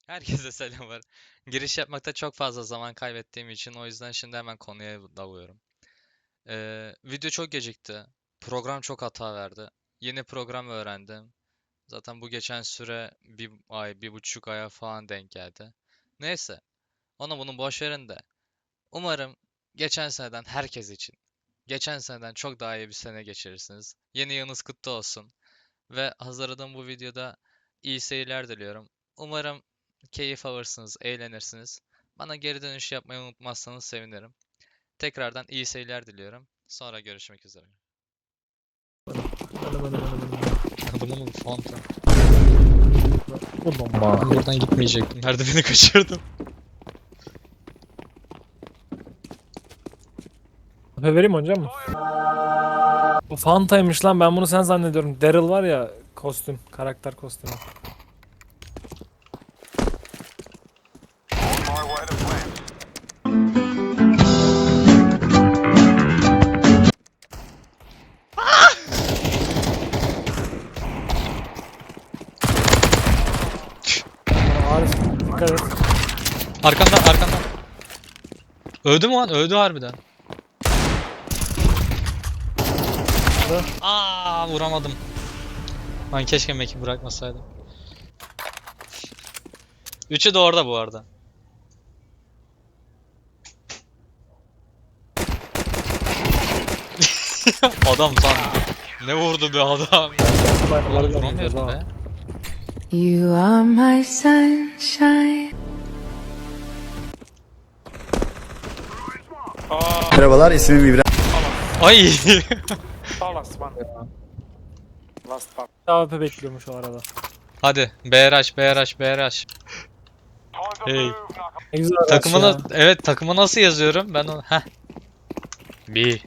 Herkese selamlar. Giriş yapmakta çok fazla zaman kaybettiğim için o yüzden şimdi hemen konuya dalıyorum. Video çok gecikti. Program çok hata verdi. Yeni program öğrendim. Zaten bu geçen süre bir ay, 1,5 aya falan denk geldi. Neyse, onu bunu boş verin de. Umarım geçen seneden herkes için, geçen seneden çok daha iyi bir sene geçirirsiniz. Yeni yılınız kutlu olsun. Ve hazırladığım bu videoda iyi seyirler diliyorum. Umarım keyif alırsınız, eğlenirsiniz. Bana geri dönüş yapmayı unutmazsanız sevinirim. Tekrardan iyi seyirler diliyorum. Sonra görüşmek üzere. Adamın fanta. Ulan Buradan gitmeyecektim. Merdiveni kaçırdım. Efe vereyim mi hocam mı? Bu Fanta'ymış lan, ben bunu sen zannediyorum. Daryl var ya, kostüm, karakter kostümü. Arif dikkat et. Arkamda. Öldü mü lan? Öldü harbiden. Vuramadım. Ben keşke Mac'i bırakmasaydım. Üçü de orada bu arada. Adam lan. Ne vurdu be adam? Ulan vuramıyordum be. You are my sunshine. Merhabalar, ismim İbrahim. Ay. Last one. Last part. AWP bekliyormuş o arada. Hadi BRH. Hey. Ne güzel araç Takımı ya. evet, takımı nasıl yazıyorum? Ben onu B.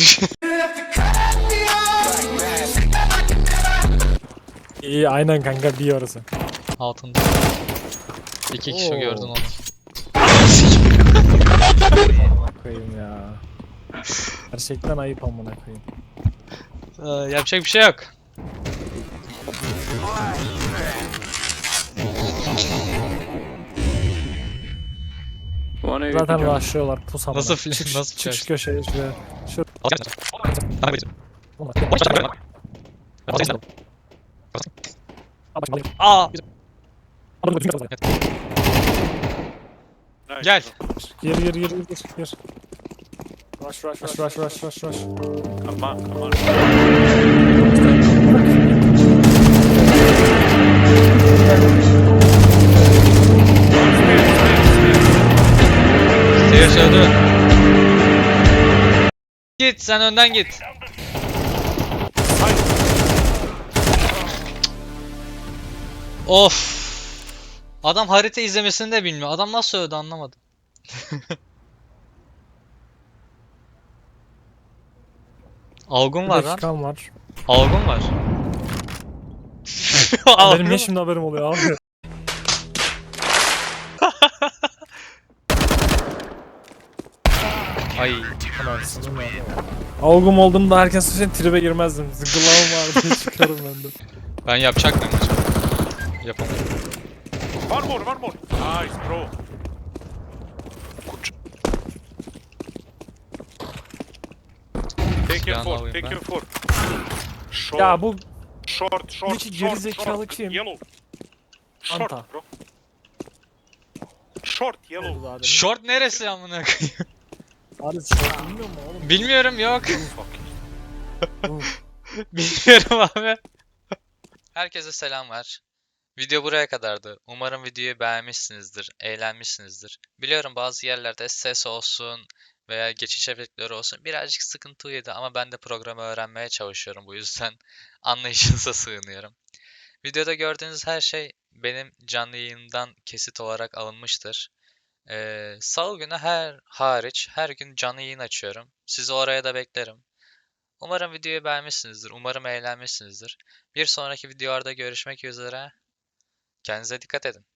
İyi aynen kanka, bir orası. Altında. İki kişi Oo. gördün onu. Amına koyayım ya. Gerçekten ayıp amına koyayım. Yapacak bir şey yok. Zaten rushlıyorlar, pus amına. Nasıl film- Çık, nasıl çık şu film? köşeye şuraya. Şu. Aa, gel. Gir. Rush. Come on. Seyir söyledi. Git, sen önden git. Of. Adam harita izlemesini de bilmiyor. Adam nasıl öldü anlamadım. Algın var lan. Dakikam var. Algın var. Benim Algın niye şimdi haberim oluyor abi? Ay. Avgum olduğumda herkes için tribe girmezdim. Zıgılamam var diye çıkarım ben de. Ben yapacak mıyım acaba? Yapamadım. One more. Nice, bro. Take your Silahını four. alayım Take ben. your four. Short. Ya bu Short. Buradaki gerizekalı kim? Yellow. Short, Anta. bro. Short, yellow. Abi Short neresi amına koyayım? short bilmiyor mu oğlum? Bilmiyorum, yok. Fuck. Bilmiyorum abi. Herkese selamlar. Video buraya kadardı. Umarım videoyu beğenmişsinizdir, eğlenmişsinizdir. Biliyorum bazı yerlerde ses olsun veya geçiş efektleri olsun birazcık sıkıntılıydı ama ben de programı öğrenmeye çalışıyorum, bu yüzden anlayışınıza sığınıyorum. Videoda gördüğünüz her şey benim canlı yayından kesit olarak alınmıştır. Salı günü hariç her gün canlı yayın açıyorum. Sizi oraya da beklerim. Umarım videoyu beğenmişsinizdir. Umarım eğlenmişsinizdir. Bir sonraki videolarda görüşmek üzere. Kendinize dikkat edin.